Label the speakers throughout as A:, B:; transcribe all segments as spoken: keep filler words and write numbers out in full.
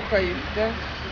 A: Слухають, да?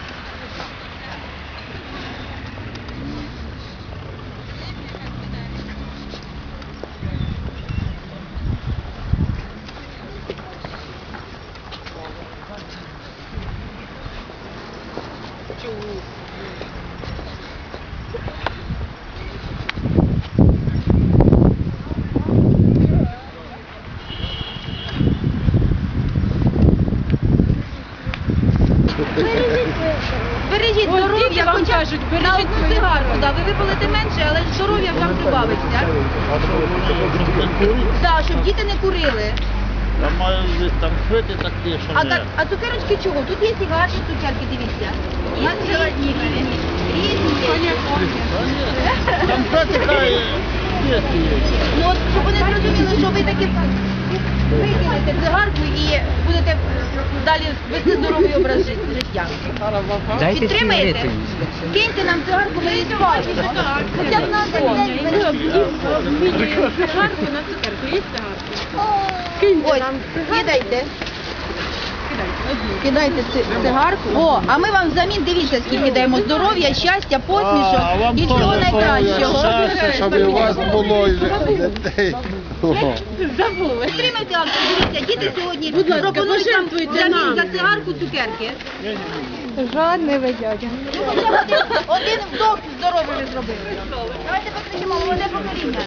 B: Бережіть здоров'я, хоча б на одну цигарку, да, ви випалите менше, але здоров'я вам прибавиться. Так, щоб діти не курили.
C: Там мають там шити такі, що
B: А,
C: не...
B: так, а цукерочки чого? Тут є і гарні цукерки, дивіться. Є різні, різні. Різні.
C: Там шити хай є.
B: Ну от, щоб вони зрозуміли, що ви таки викинете цигарку і будете далі вести здоровий образ жит- життя.
D: Дайте
B: Підтримаєте?
D: сигарети.
B: Киньте нам цигарку, ми її спалимо. Хоча б на один день бережіть.
A: Цигарку на цукерку, є цигарку?
B: Ось, кидайте. Кидайте ци- цигарку. О, а ми вам взамін, дивіться, скільки даємо здоров'я, щастя, посмішок
C: А, вам
B: і всього
C: теж
B: найкращого.
C: здоров'я, щастя,
E: Щоб і у вас було і дітей.
A: Забули.
B: Підтримайте акцію, дивіться, діти сьогодні
A: Будь ласка,
B: пропонують нам
A: пожертвуйте
B: взамін
A: нам.
B: за цигарку цукерки.
A: Жодне ви дядя.
B: Ну, хоча б один, один вдох здоровий ви зробили. Давайте покричимо, молоде покоління.